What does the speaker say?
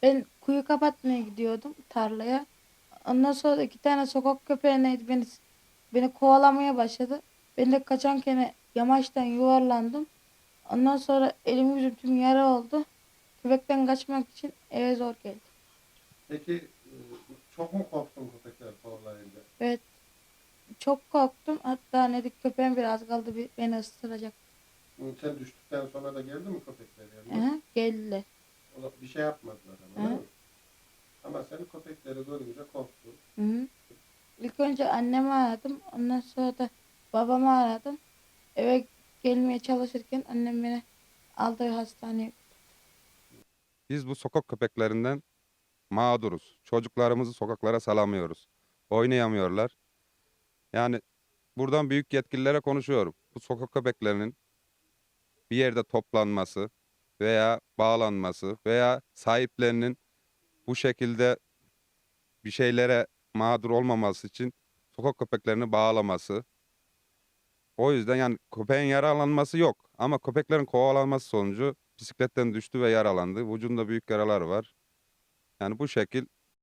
Ben kuyu kapatmaya gidiyordum tarlaya. Ondan sonra 2 tane sokak köpeği neydi beni kovalamaya başladı. Ben de kaçarken yamaçtan yuvarlandım. Ondan sonra elim yüzüm tüm yara oldu. Köpekten kaçmak için eve zor geldim. Peki çok mu korktun köpekler kovalayınca? Evet, çok korktum. Hatta Nedik köpeğim biraz kaldı beni ısıracak. Sen düştükten sonra da geldi mi köpekler yanına? Aha, geldi. Bir şey yapmadılar ama değil Aha, mi? Ama sen köpekleri görünce korktun. hı hı. İlk önce annemi aradım. Ondan sonra da babamı aradım. Eve gelmeye çalışırken annem beni aldı hastaneye. Biz bu sokak köpeklerinden mağduruz. Çocuklarımızı sokaklara salamıyoruz. Oynayamıyorlar. Yani buradan büyük yetkililere konuşuyorum. Bu sokak köpeklerinin bir yerde toplanması veya bağlanması veya sahiplerinin bu şekilde bir şeylere mağdur olmaması için sokak köpeklerini bağlaması. O yüzden yani köpeğin yaralanması yok. Ama köpeklerin kovalanması sonucu bisikletten düştü ve yaralandı. Vücudunda büyük yaralar var. Yani bu şekil